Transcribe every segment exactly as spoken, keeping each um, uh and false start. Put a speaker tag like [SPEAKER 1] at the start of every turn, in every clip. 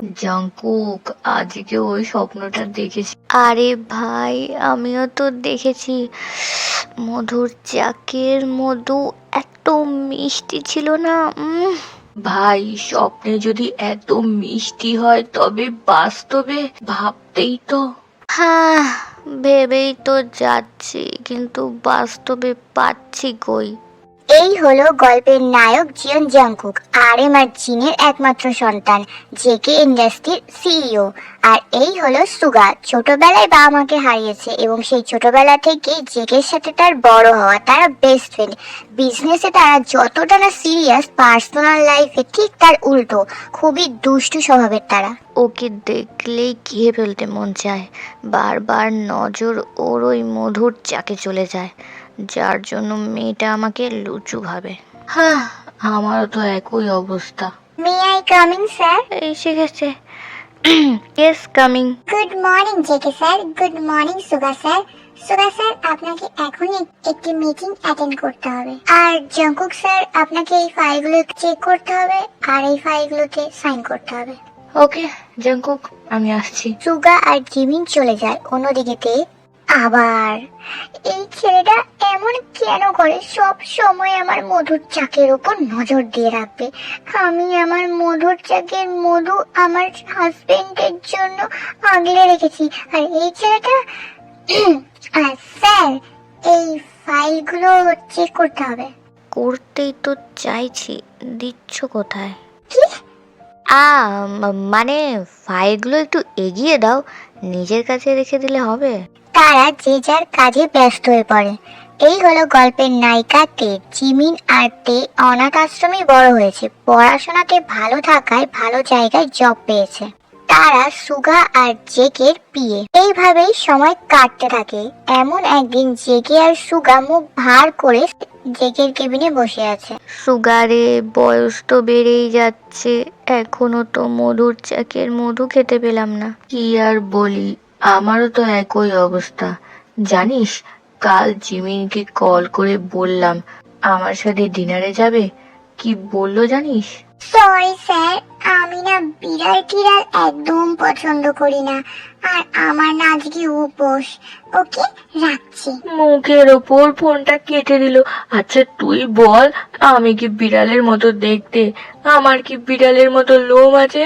[SPEAKER 1] Jungkook, আজকে ওই স্বপ্নটা দেখেছি।
[SPEAKER 2] আরে ভাই, আমিও তো দেখেছি। মধুর চাকের মধু এত মিষ্টি ছিল না। উম
[SPEAKER 1] ভাই, স্বপ্নে যদি এত মিষ্টি হয় তবে বাস্তবে ভাবতেই তো।
[SPEAKER 2] হ্যাঁ, ভেবেই তো যাচ্ছি, কিন্তু বাস্তবে পাচ্ছি কই।
[SPEAKER 3] এই হলো গল্পের নায়ক জিয়ন জাংকুক, আর এম আর জিনের একমাত্র সন্তান, জেকে ইন্ডাস্ট্রির সিইও। আর এই হলো সুগা, ছোটবেলায় বাবা মাকে হারিয়েছে এবং সেই ছোটবেলা থেকে জেকের সাথে তার বড় হওয়া। তারা বেস্ট ফ্রেন্ড। বিজনেসে তারা যতটা না সিরিয়াস, পার্সোনাল লাইফে ঠিক তার উল্টো, খুবই দুষ্টু স্বভাবের তারা।
[SPEAKER 2] ওকে দেখলেই খেয়ে ফেলতে মন চায়। বারবার নজর ওর ওই মধুর চাকে চলে যায়, যার জন্য মেয়েটা আমাকে লুচু ভাবে।
[SPEAKER 1] হ্যাঁ, আমারও তো একই অবস্থা।
[SPEAKER 3] May I coming sir?
[SPEAKER 2] এসে গেছে। Yes, coming.
[SPEAKER 3] Good morning JK sir. Good morning Suga sir. Suga sir, আপনাকে এখনই একটি মিটিং অ্যাটেন্ড করতে হবে। আর জাংকুক স্যার, আপনাকে এই ফাইলগুলো চেক করতে হবে আর এই ফাইলগুলোতে সাইন করতে হবে।
[SPEAKER 1] ওকে জাঙ্কুক, আমি আসছি।
[SPEAKER 3] সুগা আর জিমিন চলে যায় অন্যদিকেতে। আবার এই ছেলেটা এমন কেন করে? সব সময় আমার মধুর চাকের উপর নজর দিয়ে রাখবে। আমি আমার মধুর চাকের মধু আমার হাজবেন্ডের জন্য আগলে রেখেছি, আর এই ছেলেটা আর স্যার, এই ফাইলগুলো চেক করতে হবে।
[SPEAKER 2] করতেই তো চাইছি, দিচ্ছ কোথায়?
[SPEAKER 3] কি?
[SPEAKER 2] আ ম- মানে ফাইলগুলো একটু এগিয়ে দাও, নিজের কাছে রেখে দিলে হবে?
[SPEAKER 3] তারা যে যার কাজে ব্যস্ত হয়ে পড়ে। এই হলো গল্পের নায়িকা তে। জিমিন আর তে অনাথ আশ্রমে বড় হয়েছে, পড়াশোনাতে ভালো থাকায় ভালো জায়গায় জব পেয়েছে। তারা সুগা আর জেকের বিয়ে। এইভাবেই সময় কাটতে থাকে। এমন একদিন জেকে আর সুগা মুখ ভার করে জেকের কেবিনে বসে আছে।
[SPEAKER 2] সুগারে বয়স তো বেড়েই যাচ্ছে, এখনো তো মধুর চাকের মধু খেতে পেলাম না।
[SPEAKER 1] কি আর বলি, আমারও তো একই অবস্থা। জানিস, কাল জিমিনকে কল করে বললাম আমার সাথে ডিনারে যাবে। কি বললো জানিস?
[SPEAKER 3] সরি স্যার, আমি না বিড়াল টিড়াল একদম পছন্দ করি না, আর আমার না আজকে উপোস। ওকে, রাখছি।
[SPEAKER 1] মুখের ওপর ফোনটা কেটে দিল। আচ্ছা তুই বল, আমি কি বিড়ালের মতো দেখতে? আমার কি বিড়ালের মতো লোম আছে?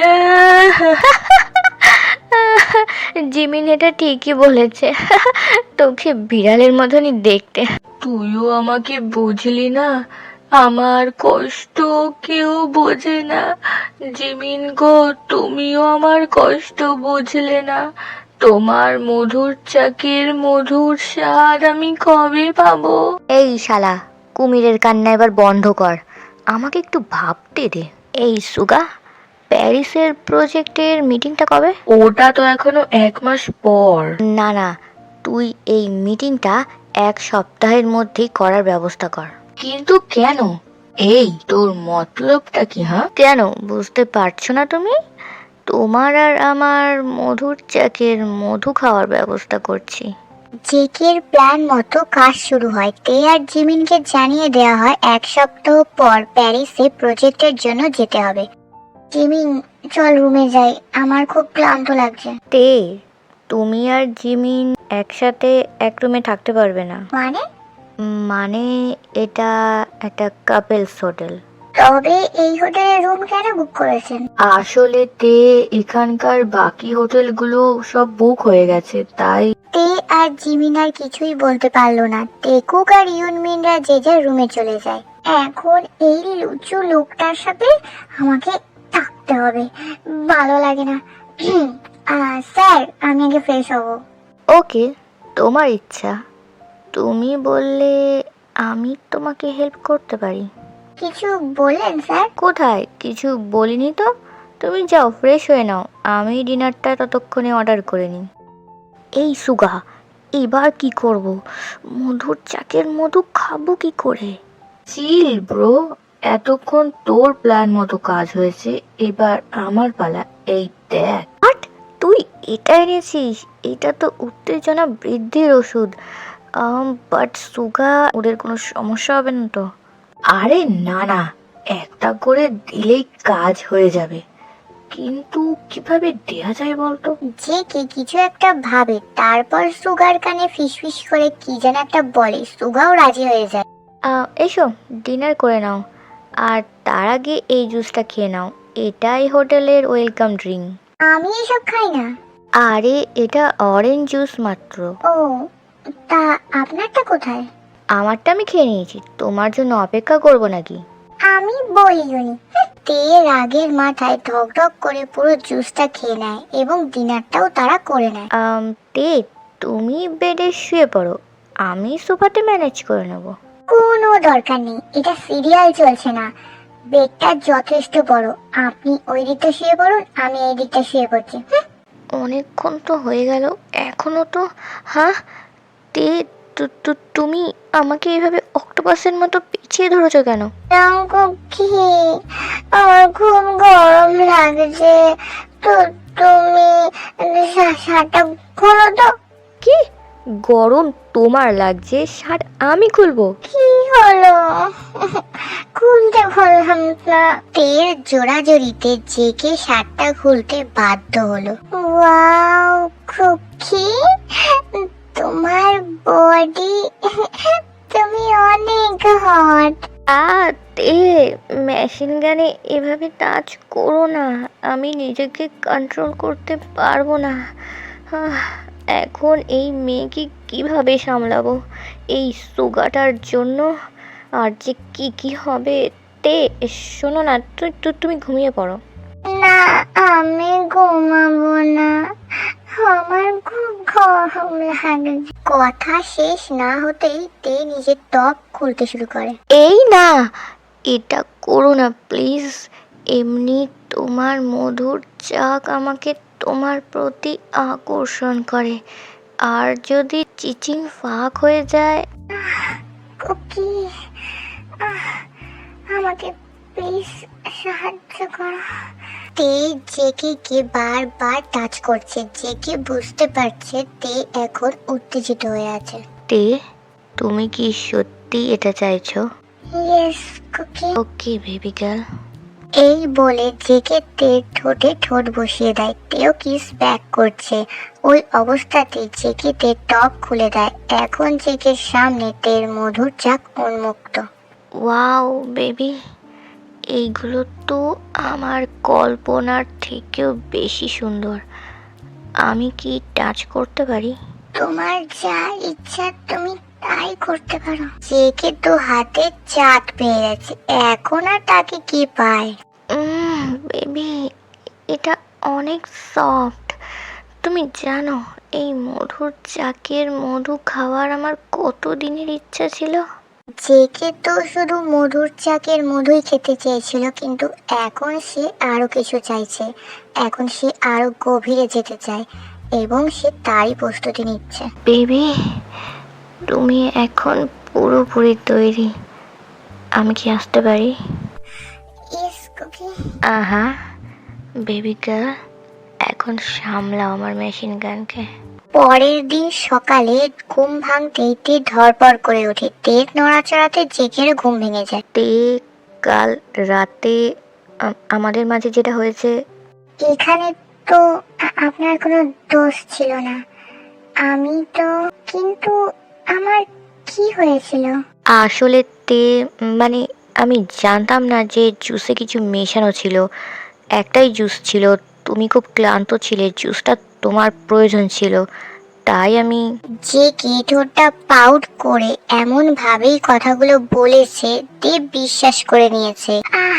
[SPEAKER 2] জিমিন এটা ঠিকই বলেছে, তোকে বিড়ালের মতনই দেখতে।
[SPEAKER 1] তুইও আমাকে বুঝলি না, আমার কষ্ট কেউ বোঝে না। জিমিন গো, তুমিও আমার কষ্ট বুঝলে না। তোমার মধুর চাকের মধুর স্বাদ আমি কবে পাবো?
[SPEAKER 2] এই শালা, কুমিরের কান্না এবার বন্ধ কর, আমাকে একটু ভাবতে দে। এই সুগা, প্যারিসের প্রজেক্টের মিটিংটা কবে?
[SPEAKER 1] ওটা তো এখনো এক মাস পর।
[SPEAKER 2] না না, তুই এই মিটিংটা এক সপ্তাহের মধ্যেই করার ব্যবস্থা কর।
[SPEAKER 1] কিন্তু কেন? এই তোর মতলবটা কি? হ্যাঁ,
[SPEAKER 2] কেন বুঝতে পারছো না তুমি? তোমার আর আমার মধুর চাকের মধু খাওয়ার ব্যবস্থা করছি।
[SPEAKER 3] জেকের প্ল্যান মতো কাজ শুরু হয়। তে আর জিমিনকে জানিয়ে দেওয়া হয় এক সপ্তাহ পর প্যারিসে প্রজেক্টের জন্য যেতে হবে। জিমিন, চল রুমে যাই, আমার খুব ক্লান্ত লাগছে।
[SPEAKER 2] তে, তুমি আর জিমিন একসাথে এক রুমে থাকতে পারবে না।
[SPEAKER 3] মানে?
[SPEAKER 2] মানে এটা একটা কাপেলস হোটেল।
[SPEAKER 3] তবে এই হোটেলে রুম কেন বুক করেছেন?
[SPEAKER 1] আসলে তে এখানকার বাকি হোটেলগুলো সব বুক হয়ে গেছে, তাই।
[SPEAKER 3] তে আর জিমিন আর কিছুই বলতে পারলো না। টেকুক আর ইউনমিনরা যে যার রুমে চলে যায়। এখন এই লুচু লোকটার সাথে আমাকে থাকতে হবে, ভালো লাগে না। আহ, স্যার, আমি আগে ফ্রেশ হব।
[SPEAKER 2] ওকে, তোমার ইচ্ছা। তুমি বললে আমি তোমাকে হেল্প করতে পারি।
[SPEAKER 3] কিছু বললেন স্যার?
[SPEAKER 2] কোথায় কিছু বলিনি তো। তুমি যাও, ফ্রেশ হয়ে নাও, আমি ডিনারটা ততক্ষণে অর্ডার করে নিই। এই সুগা, এবার কি করব? মধুর চাকের মধু খাবো কি করে?
[SPEAKER 1] চিল ব্রো, এতক্ষণ তোর প্ল্যান মতো কাজ হয়েছে, এবার আমার পালা। এই দেখ।
[SPEAKER 2] বাট তুই এটা এনেছিস? এটা তো উত্তেজনা বৃদ্ধির ওষুধ। বাট সুগা, ওদের কোনো সমস্যা হবে না তো?
[SPEAKER 1] আরে না না, একটা করে দিলেই কাজ হয়ে যাবে। কিন্তু কিভাবে দেয়া যায় বলতো?
[SPEAKER 3] যে কে কিছু একটা ভাবে, তারপর সুগার কানে ফিসফিস করে কি যেন একটা বলে, সুগাও রাজি হয়ে যায়।
[SPEAKER 2] আহ, এসো ডিনার করে নাও, আর তার আগে এই জুসটা খেয়ে নাও। এটাই হোটেলের ওয়েলকাম ড্রিঙ্ক।
[SPEAKER 3] আমি এসব খাই না।
[SPEAKER 2] আরে এটা অরেঞ্জ জুস মাত্র।
[SPEAKER 3] ও, তা আপনারটা কোথায়?
[SPEAKER 2] আমারটা আমি খেয়ে নিয়েছি, তোমার জন্য অপেক্ষা করব নাকি?
[SPEAKER 3] আমি বলিনি। তে রাগের মাথায় ঢক ঢক করে পুরো জুসটা খেয়ে নেয় এবং ডিনারটাও তারা করে নেয়।
[SPEAKER 2] আম, তে তুমি বেডে শুয়ে পড়ো, আমি সোফাতে ম্যানেজ করে নেব।
[SPEAKER 3] কোনো দরকার নেই, এটা সিরিয়াল চলছে না। বেডটা যথেষ্ট বড়, আপনি ওই দিকটা শুয়ে পড়ুন, আমি এই দিকটা শুয়ে পড়ছি। হুঁ,
[SPEAKER 2] অনেকক্ষণ তো হয়ে গেল, এখনো তো। হ্যাঁ তে, তু- তু- তুমি আমাকে এইভাবে অক্টোপাসের মতো পিছিয়ে ধরেছো কেন?
[SPEAKER 3] রঙ্গ কি, আমার খুব গরম লাগছে, তো তুমি শা- শার্টটা খোলো তো।
[SPEAKER 2] কি গরম তোমার লাগছে? শার্ট আমি খুলবো?
[SPEAKER 3] কি হলো? খুলতে বললাম না। তের জোড়াজড়িতে জেকে শার্টটা খুলতে বাধ্য হলো। ওয়াও খুকি, তোমার বডি, তুমি অনেক হট।
[SPEAKER 2] আ তে, মেশিন গানে এভাবে টাচ করো না, আমি নিজেকে কন্ট্রোল করতে পারবো না। আহ, এখন এই মেয়েকে কিভাবে সামলাবো এই সুগাটার জন্য? আর যে কি কি হবে। তে শোনো না, তুই তু- তুমি ঘুমিয়ে পড়ো।
[SPEAKER 3] না, আমি ঘুমাবো না, আমার খুব গরম লাগে। কথা শেষ না হতেই তে নিজের টপ খুলতে শুরু করে।
[SPEAKER 2] এই না, এটা করো না প্লিজ। এমনি তোমার মধুর চাক আমাকে তোমার প্রতি আকর্ষণ করে, আর যদি চিচিং ফাঁক হয়ে যায়।
[SPEAKER 3] কুকি, আহ, আমাকে প্লিজ সাহায্য করো। তে জেকে কে বারবার টাচ করছে, জেকে বুঝতে পারছে তে এখন উত্তেজিত হয়ে আছে।
[SPEAKER 2] তে তুমি কি সত্যি এটা চাইছো?
[SPEAKER 3] Yes Cookie.
[SPEAKER 2] Okay baby girl.
[SPEAKER 3] এই বলে জেকে তের ঠোঁটে ঠোঁট বসিয়ে দেয়। তেও কিস ব্যাক করছে। ওই অবস্থাতে জেকে তের টপ খুলে দেয়। এখন জেকের সামনে তের মধুর চাক উন্মুক্ত।
[SPEAKER 2] ওয়াও বেবি, এইগুলো তো আমার কল্পনার থেকেও বেশি সুন্দর। আমি কি টাচ করতে পারি?
[SPEAKER 3] তোমার যা ইচ্ছা তুমি তাই করতে পারো। জেকে তো হাতে চাট পেয়ে গেছে, এখন আর তাকে কি পায়।
[SPEAKER 2] বেবি, এটা অনেক সফট। তুমি জানো এই মধুর চাকের মধু খাওয়ার আমার কত দিনের ইচ্ছা ছিল।
[SPEAKER 3] জেকে তো শুধু মধুর চাকের মধুই খেতে চেয়েছিল, কিন্তু এখন সে আরো কিছু চাইছে। এখন সে আরো গভীরে যেতে চায় এবং সে তারই প্রস্তুতি নিচ্ছে।
[SPEAKER 2] বেবি, তুমি এখন পুরোপুরি তৈরি, আমি কি আসতে পারি?
[SPEAKER 3] Yes Cookie.
[SPEAKER 2] আহা বেবি গার্ল, এখন সামলাও আমার মেশিন গানকে।
[SPEAKER 3] পরের দিন সকালে ঘুম ভাঙতেই তে ধরপড় করে ওঠে। তের নড়াচড়াতে জেকের ঘুম ভেঙে যায়।
[SPEAKER 2] তে, কাল রাতে আম- আমাদের মাঝে যেটা হয়েছে।
[SPEAKER 3] এখানে তো আ- আপনার কোনো দোষ ছিল না। আমি তো, কিন্তু আমার কি হয়েছিল?
[SPEAKER 2] আসলে তে, মানে আমি জানতাম না যে জুসে কিছু মেশানো ছিল। একটাই জুস ছিল, তুমি খুব ক্লান্ত ছিলে, জুসটা তোমার প্রয়োজন ছিল, তাই আমি।
[SPEAKER 3] যে কে ঠোঁটটা পাউট করে এমন ভাবেই কথাগুলো বলেছে, দেব বিশ্বাস করে নিয়েছে। আহ,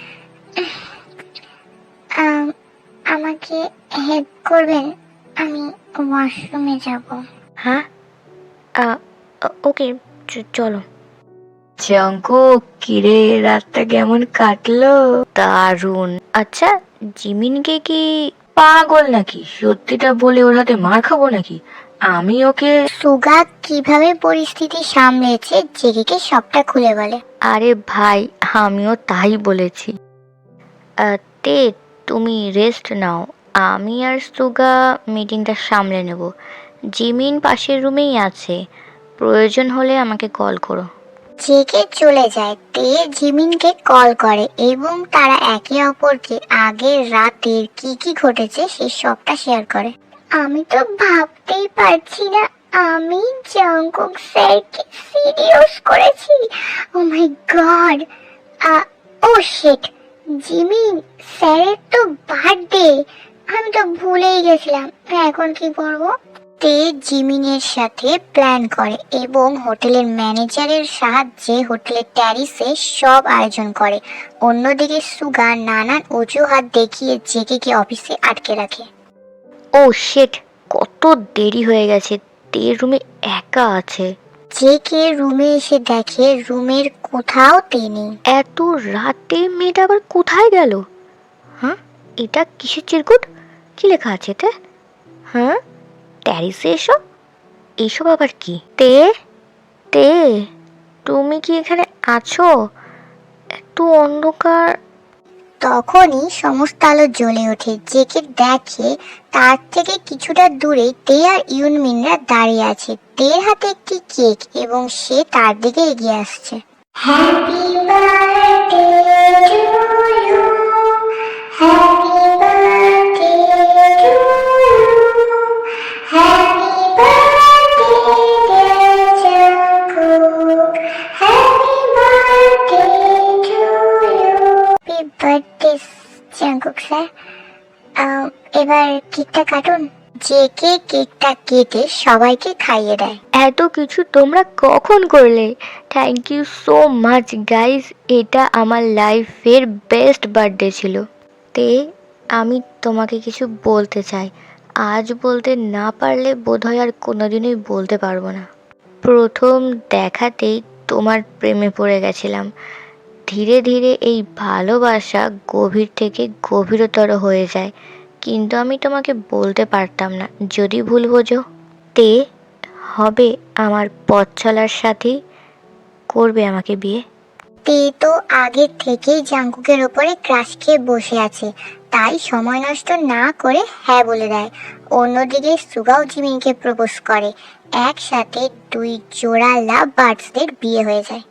[SPEAKER 3] আম, আমাকে হেল্প করবেন, আমি ওয়াশরুমে যাব।
[SPEAKER 2] হ্যাঁ, আ, ও- ওকে চ- চলো।
[SPEAKER 1] জঙ্কুক, কিরে রাতটা কেমন কাটলো?
[SPEAKER 2] দারুণ। আচ্ছা, জিমিনকে কি?
[SPEAKER 1] পাগল নাকি? সত্যিটা বলে ওর হাতে মার খাবো নাকি? আমি ওকে।
[SPEAKER 3] সুগা কিভাবে পরিস্থিতি সামলেছে জেগেকে সবটা খুলে বলে।
[SPEAKER 2] আরে ভাই, আমিও তাই বলেছি। আ, তে তুমি রেস্ট নাও, আমি আর সুগা মিটিংটা সামলে নেব। জিমিন পাশের রুমেই আছে, প্রয়োজন হলে আমাকে কল করো।
[SPEAKER 3] জেকে চলে যায়। তে জিমিনকে কল করে এবং তারা একে অপরকে আগের রাতের কি কি ঘটেছে সে সবটা শেয়ার করে। আমি তো ভাবতেই পারছি না আমি জাংকুক স্যারকে সিরিয়াস করেছি। Oh my god, oh shit, Jimin স্যারের তো বার্থডে, আমি তো ভুলেই গেছিলাম। এখন কি করব? তে জিমিনের সাথে প্ল্যান করে এবং হোটেলের ম্যানেজারের সাহায্যে হোটেলের ট্যারিসে সব আয়োজন করে। অন্যদিকে সুগা নানান অজুহাত দেখিয়ে জেকেকে অফিসে আটকে রাখে।
[SPEAKER 2] ও শেট, কত দেরি হয়ে গেছে, তে রুমে একা আছে।
[SPEAKER 3] জেকে রুমে এসে দেখে রুমের কোথাও তে নেই।
[SPEAKER 2] এত রাতে মেয়েটা আবার কোথায় গেল? হ্যাঁ, এটা কিসের চিরকুট? কি লেখা আছে এতে? হ্যাঁ, ট্যারিসে এসো, এইসব আবার কি? তে তে তুমি কি এখানে আছো? এত অন্ধকার।
[SPEAKER 3] তখনই সমস্ত আলো জ্বলে ওঠে। জেকে দেখে তার থেকে কিছুটা দূরে তে আর ইউনমিনরা দাঁড়িয়ে আছে। তের হাতে একটি কেক এবং সে তার দিকে এগিয়ে আসছে। Happy birthday to you, happy birthday to you, happy birthday dear Jungkook, happy birthday to you. Happy birthday Jungkook sir, এবার কেকটা কাটুন। জেকে কেকটা কেটে সবাইকে খাইয়ে দেয়।
[SPEAKER 2] এত কিছু তোমরা কখন করলে? Thank you so much guys, এটা আমার লাইফের বেস্ট বার্থডে ছিল। তে আমি তোমাকে কিছু বলতে চাই, আজ বলতে না পারলে বোধহয় আর কোনোদিনই বলতে পারবো না। প্রথম দেখাতেই তোমার প্রেমে পড়ে গেছিলাম। ধীরে ধীরে এই ভালোবাসা গভীর থেকে গভীরতর হয়ে যায়, কিন্তু আমি তোমাকে বলতে পারতাম না। যদি ভুল বোঝো, তে হবে আমার পথ চলার সাথী, করবে আমাকে বিয়ে।
[SPEAKER 3] তে তো আগে থেকেই জাংকুকের ওপরে ক্রাশ খেয়ে বসে আছে, তাই সময় নষ্ট না করে হ্যাঁ বলে দেয়। অন্যদিকে সুগাও জিমিনকে প্রপোজ করে। একসাথে দুই জোড়া লাভ বার্ডসদের বিয়ে হয়ে যায়।